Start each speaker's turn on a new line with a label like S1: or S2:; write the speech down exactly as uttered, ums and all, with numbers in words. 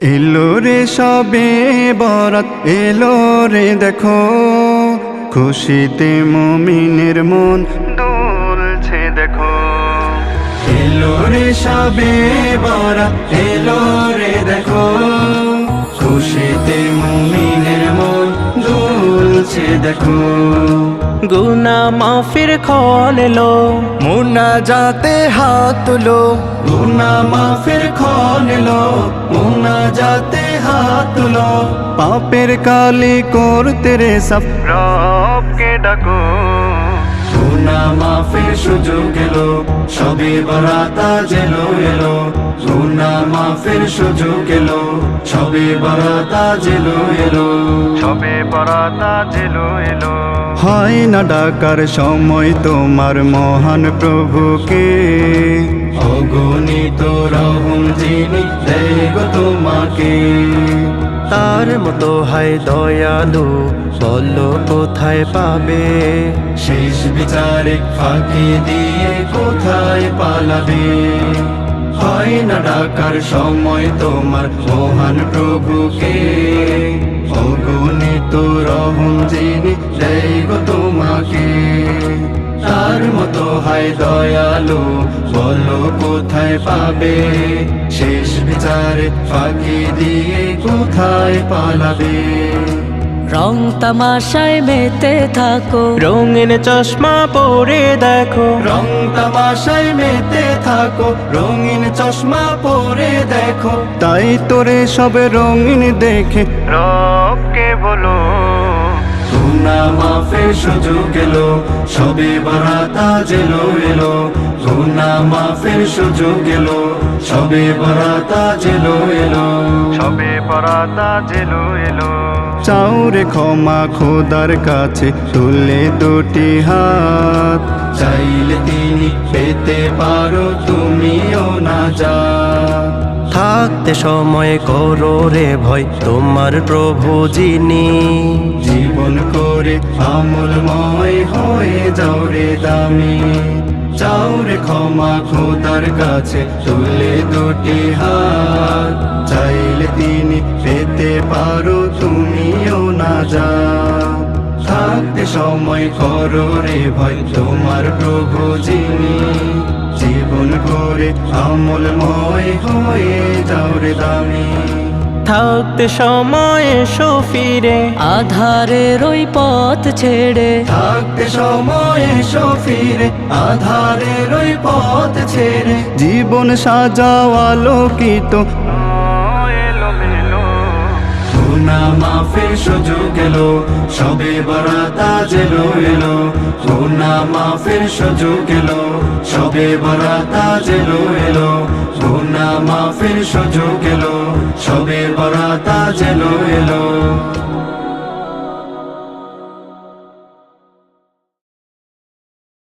S1: এলো রে সবে বরাত এলো রে দেখো, খুশিতে মুমিনের মন দুলছে দেখো। এলো রে সবে বরাত এলো রে দেখো, খুশিতে মুমিনের মন দুলছে দেখো।
S2: গুনা মাফির ক্ষণ এলো,
S1: মুনাজাতে হাত তুলো, গুনা মাফির ক্ষণ এলো, মুনাজাতে হাত তুলো। পাপের কালি করতে রে সাফ রবকে ডাকো, গুনা মাফির সুযোগ এলো, সবে বরাত আজ এলো এলো। গুনা মাফির সুযোগ এলো, সবে বরাত আজ এলো এলো, সবে বরাত আজ এলো এলো। হয় না ডাকার সময় তোমার মহান প্রভুকে, অগণিত রহম যিনি দেয় গো তোমাকে।
S2: তার মতো হয় দয়ালু, বলো কোথায় পাবে?
S1: শেষ বিচারে ফাঁকি দিয়ে কোথায় পালাবে? হয় না ডাকার সময় তোমার মহান প্রভুকে, অগণিত রহম যিনি দেয় গো তোমাকে। তার মতো হয় দয়ালু, বলো কোথায় পাবে? শেষ বিচারে ফাঁকি দিয়ে কোথায় পালাবে?
S3: রং তামাশায় মেতে থাকো,
S2: রঙিন চশমা পরে দেখো।
S1: রং তামাশায় মেতে থাকো, রঙিন চশমা পরে দেখো। তাই তোরে সব রঙিন দেখে রবকে বলো, গুনা মাফের সুযোগ এলো, সবে বরাত আজ এলো এলো। গুনা মাফের সুযোগ এলো, সবে বরাত আজ এলো এলো, সবে বরাত আজ এলো এলো। চাউরে ক্ষমা খোদার কাছে তুলে দুটি হাত, চাইলে তিনি পেতে পারো তুমিও না যা।
S2: থাকতে সময় করো রে ভয় তোমার প্রভু যিনি,
S1: জীবন করে আমলময় হয়ে যাও রে দামি। চাউরে ক্ষমা খোদার কাছে তুলে দুটি হাত, চাইলে তিনি পেতে পারো তুমিও না যা। থাকতে সময় করো রে ভয় তোমার প্রভু যিনি, জীবন করে আমলময় হয়ে যাও রে দামি।
S2: থাকতে সময় এসো ফিরে,
S3: আধারের ওই পথ ছেড়ে।
S1: থাকতে সময় এসো ফিরে, আধারের ওই পথ ছেড়ে। জীবন সাজাও আলোকিত এলোমেলো, গুনা মাফের সুযোগ এলো, সবে বরাত আজ এলো এলো। গুনা মাফের সুযোগ এলো, সবে বরাত আজ এলো এলো। গুনা মাফের সুযোগ এলো, সবে বরাত আজ এলো এলো।